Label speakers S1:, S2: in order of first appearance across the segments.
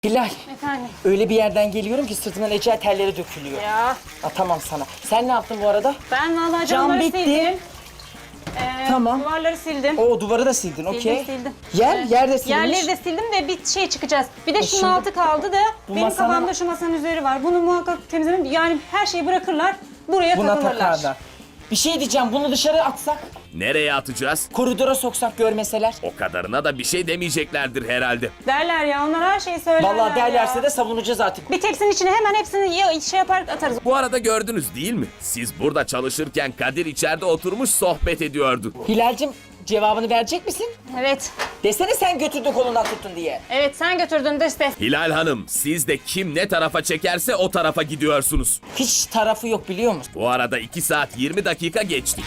S1: Hilal,
S2: Efendim?
S1: öyle bir yerden geliyorum ki sırtımdan ecel telleri dökülüyor.
S2: Ya
S1: Atamam sana. Sen ne yaptın bu arada?
S2: ben vallahi
S1: Cam
S2: camları
S1: bitti.
S2: sildim.
S1: Tamam.
S2: Duvarları sildim.
S1: O duvarı da sildin, okey.
S2: Sildim.
S1: Yerde silmiş.
S2: Yerleri de sildim de bir şey çıkacağız. Bir de şunun
S1: şimdi
S2: altı kaldı da
S1: bu
S2: benim
S1: masanın-
S2: kafamda şu masanın üzeri var. Bunu muhakkak temizlemem. Yani her şeyi bırakırlar. Buraya
S1: Buna
S2: takılırlar.
S1: takarlar. Bir şey diyeceğim, bunu dışarı atsak,
S3: Nereye atacağız?
S1: koridora soksak görmeseler.
S3: O kadarına da bir şey demeyeceklerdir herhalde.
S2: Derler ya, onlar her şeyi söylerler.
S1: Vallahi derlerse
S2: ya.
S1: de savunacağız artık.
S2: Bir tepsinin içine hemen hepsini şey yapar atarız.
S3: Bu arada gördünüz değil mi? Siz burada çalışırken Kadir içeride oturmuş sohbet ediyordu.
S1: Hilal'cim cevabını verecek misin?
S2: Evet.
S1: Desene sen götürdün kolundan tuttun diye.
S2: Evet, sen götürdün de işte.
S3: Hilal Hanım, siz de kim ne tarafa çekerse o tarafa gidiyorsunuz.
S1: Hiç tarafı yok biliyor musun?
S3: Bu arada 2 saat 20 dakika geçti.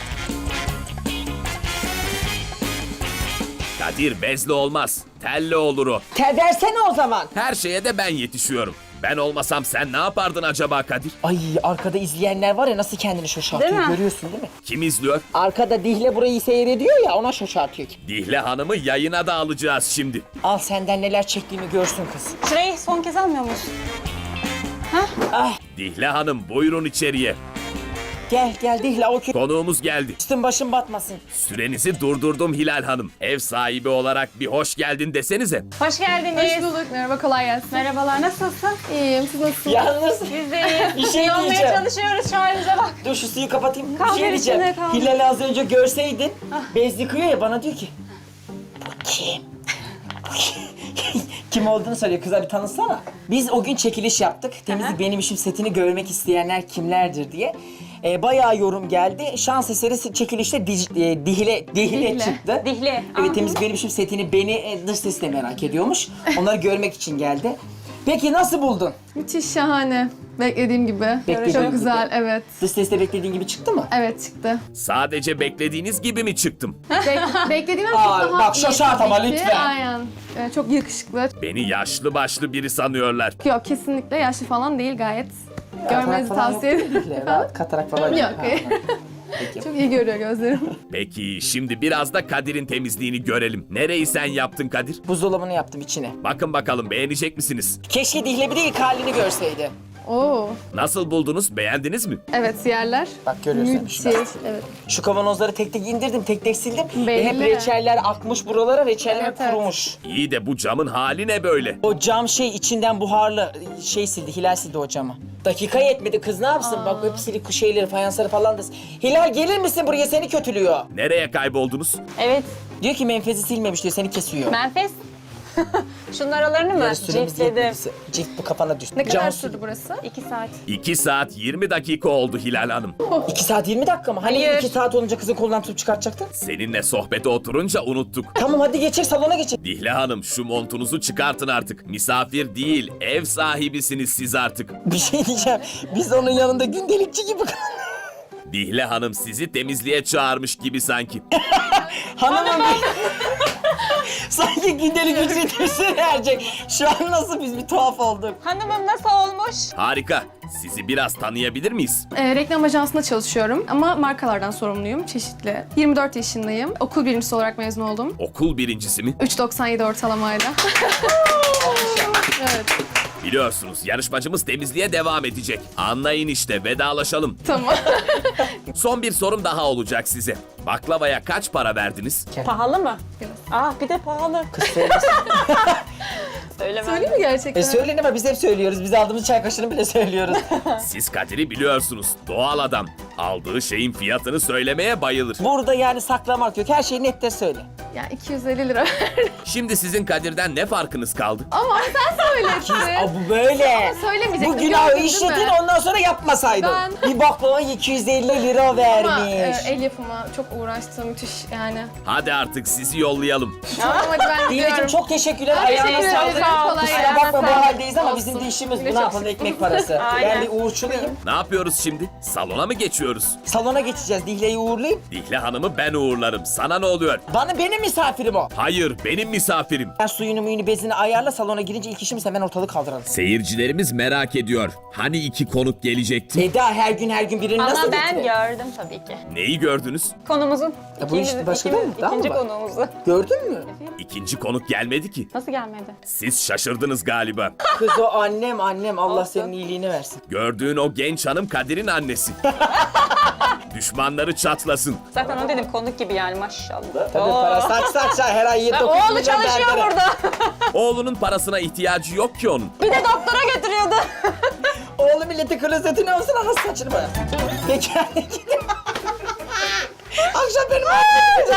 S3: Kadir bezli olmaz, telli olur o.
S1: Versene o zaman.
S3: Her şeye de ben yetişiyorum. Ben olmasam sen ne yapardın acaba Kadir?
S1: Ay arkada izleyenler var ya nasıl kendini şaşartıyor,
S2: Değil mi?
S1: görüyorsun değil mi?
S3: Kim izliyor?
S1: Arkada Dihle burayı seyrediyor ya, ona şaşartıyor ki.
S3: Dihle Hanım'ı yayına da alacağız şimdi.
S1: Al senden neler çektiğimi görsün kız.
S2: Şurayı son kez almıyor musun?
S3: Dihle Hanım buyurun içeriye.
S1: Gel Dihle, o
S3: Konuğumuz geldi.
S1: üstün başın batmasın.
S3: Sürenizi durdurdum Hilal Hanım. Ev sahibi olarak bir hoş geldin desenize.
S2: Hoş geldiniz.
S4: Hoş bulduk. Merhaba, kolay gelsin.
S2: Merhabalar, nasılsın?
S4: İyiyim, siz nasılsınız?
S1: Yalnız
S2: Biz de iyiyiz.
S1: Bir şey
S2: İyi olmaya
S1: diyeceğim.
S2: çalışıyoruz, şu halimize bak.
S1: dur şu suyu kapatayım.
S2: Kaldır
S1: bir şey diyeceğim.
S2: içine, kaldır.
S1: Hilal'i az önce görseydin bez yıkıyor ya, bana diyor ki bu kim? Bu kim? Kim olduğunu soruyor. Kıza bir tanısana. Biz o gün çekiliş yaptık. Temizlik Benim İşim setini görmek isteyenler kimlerdir diye. Bayağı yorum geldi. Şans eseri çekilişte Dihle çıktı.
S2: Dihle.
S1: Evet, Temizlik Benim İşim setini dış ses de merak ediyormuş. Onları görmek için geldi. Peki nasıl buldun?
S4: Müthiş, şahane. Beklediğim gibi.
S1: Beklediğim
S4: Çok
S1: gibi.
S4: güzel, evet.
S1: Dış seste beklediğin gibi çıktı mı?
S4: Evet, çıktı.
S3: Sadece beklediğiniz gibi mi çıktım?
S4: Beklediğimden çok
S1: Aa,
S4: daha
S1: bak
S4: iyi
S1: şaşart ama
S4: tabii ki.
S1: lütfen.
S4: Aynen. Çok yakışıklı.
S3: Beni yaşlı başlı biri sanıyorlar.
S4: Yok, kesinlikle yaşlı falan değil, gayet. Görmenizi
S1: Katarak falan
S4: tavsiye
S1: yok
S4: ederim.
S1: değil mi? Rahat katarak falan yok.
S4: Yok.
S1: Ha, ha. Peki.
S4: Çok iyi görüyor gözlerim.
S3: Peki şimdi biraz da Kadir'in temizliğini görelim. Nereyi sen yaptın Kadir?
S1: Buzdolabını yaptım içine.
S3: Bakın bakalım beğenecek misiniz?
S1: Keşke Dihle bir de ilk halini görseydi.
S4: Oo.
S3: Nasıl buldunuz? Beğendiniz mi?
S4: Evet, yerler.
S1: Bak görüyorsun
S4: Müthiş.
S1: şurada.
S4: Evet.
S1: Şu kavanozları tek tek indirdim, tek tek sildim. Ve hep
S4: Belli.
S1: reçeller akmış buralara, reçeller
S4: Evet, evet.
S1: kurumuş.
S3: İyi de bu camın hali ne böyle?
S1: O cam içinden buharlı sildi, Hilal sildi o camı. Dakika yetmedi, kız ne yapsın? Bak hep silik şeyleri, fayansları falan da. Hilal gelir misin buraya, seni kötülüyor.
S3: Nereye kayboldunuz?
S2: Evet,
S1: Diyor ki menfezi silmemiş diyor, seni kesiyor.
S2: menfes. Şunun aralarını mı?
S1: Yarı süremiz
S2: Ciftledim.
S1: yetmedi. Cilt bu kafana düştü.
S4: Ne kadar
S1: Cam
S4: sürdü burası?
S2: 2 saat.
S3: 2 saat 20 dakika oldu Hilal Hanım.
S1: 2 saat 20 dakika mı? Hani
S2: Hayır.
S1: 2 saat olunca kızın kolundan tutup çıkartacaktın?
S3: Seninle sohbete oturunca unuttuk.
S1: Tamam hadi geçecek, salona geçecek.
S3: Dihle Hanım şu montunuzu çıkartın artık. Misafir değil, ev sahibisiniz siz artık.
S1: Bir şey diyeceğim. Biz onun yanında gündelikçi gibi.
S3: Dihle Hanım sizi temizliğe çağırmış gibi sanki.
S1: Hanımım sanki gündelik ücretimizi verecek. Şu an nasıl biz bir tuhaf olduk.
S2: Hanımım nasıl olmuş?
S3: Harika. Sizi biraz tanıyabilir miyiz?
S4: Reklam ajansında çalışıyorum ama markalardan sorumluyum, çeşitli. 24 yaşındayım. Okul birincisi olarak mezun oldum.
S3: Okul birincisi mi?
S4: 3.97 ortalamayla. Evet,
S3: Biliyorsunuz yarışmacımız temizliğe devam edecek. Anlayın işte vedalaşalım.
S4: tamam.
S3: Son bir sorum daha olacak size. Baklavaya kaç para verdiniz?
S2: Pahalı mı? Bir de pahalı. Söylemem.
S4: Söyleyeyim mi gerçekten?
S1: Söyleyin ama biz hep söylüyoruz. Biz aldığımız çay kaşığını bile söylüyoruz.
S3: Siz Kadir'i biliyorsunuz. Doğal adam. Aldığı şeyin fiyatını söylemeye bayılır.
S1: Burada yani saklamak yok. Her şeyi net de söyle.
S4: Ya 250 lira.
S3: Şimdi sizin Kadir'den ne farkınız kaldı?
S4: Ama sen söyledin.
S1: Aa, bu böyle.
S4: Söylemeyecektim.
S1: Bu günahı
S4: gördün değil
S1: işledin,
S4: mi?
S1: ondan sonra yapmasaydın.
S4: Ben-
S1: Bir baklava 250 lira
S4: Ama
S1: vermiş.
S4: el yapımı çok uğraştım, müthiş yani.
S3: Hadi artık sizi yollayalım.
S4: Tamam, hadi ben
S1: Dileciğim
S4: gidiyorum.
S1: çok teşekkürler.
S4: Teşekkür
S1: Ayağına
S4: ederim.
S1: sağlık.
S4: Kolay
S1: Kusura
S4: gelsin.
S1: bakma bu
S4: Sağ ol.
S1: haldeyiz ama
S4: Olsun.
S1: bizim de işimiz bu.
S4: Yine
S1: Ne
S4: çok
S1: yapalım,
S4: şükür.
S1: ekmek parası. Ben
S2: Aynen.
S1: bir uğurçuluyum.
S3: Ne yapıyoruz şimdi? Salona mı geçiyoruz? geçiyoruz.
S1: Salona geçeceğiz. Dihle'yi uğurlayayım.
S3: Dihle Hanım'ı ben uğurlarım. Sana ne oluyor?
S1: Benim misafirim o.
S3: Hayır, benim misafirim.
S1: Ben suyunu muyunu bezini ayarla, salona girince ilk işimiz hemen ortalık kaldıralım.
S3: Seyircilerimiz merak ediyor. Hani 2 konuk gelecekti?
S1: Eda her gün birini
S2: Ama
S1: nasıl
S2: ben
S1: getiriyor?
S2: gördüm tabii ki.
S3: Neyi gördünüz?
S2: Konumuzun.
S1: Ya bu işte başka değil mi? Daha mı
S2: İkinci
S1: var?
S2: konuğumuzu.
S1: Gördün mü?
S3: İkinci konuk gelmedi ki.
S2: Nasıl gelmedi?
S3: Siz şaşırdınız galiba.
S1: Kız o annem Allah senin iyiliğini versin.
S3: Gördüğün o genç hanım Kadir'in annesi. Düşmanları çatlasın.
S2: Zaten onu dedim konuk gibi yani maşallah.
S1: Tabii para saç her ay 7-9
S2: Oğlu
S1: milyon
S2: çalışıyor
S1: berbere.
S2: burada.
S3: Oğlunun parasına ihtiyacı yok ki onun.
S2: Bir de doktora götürüyordu.
S1: Oğlu milleti klozetine olsun anası saçını boya. Peki. Akşam benim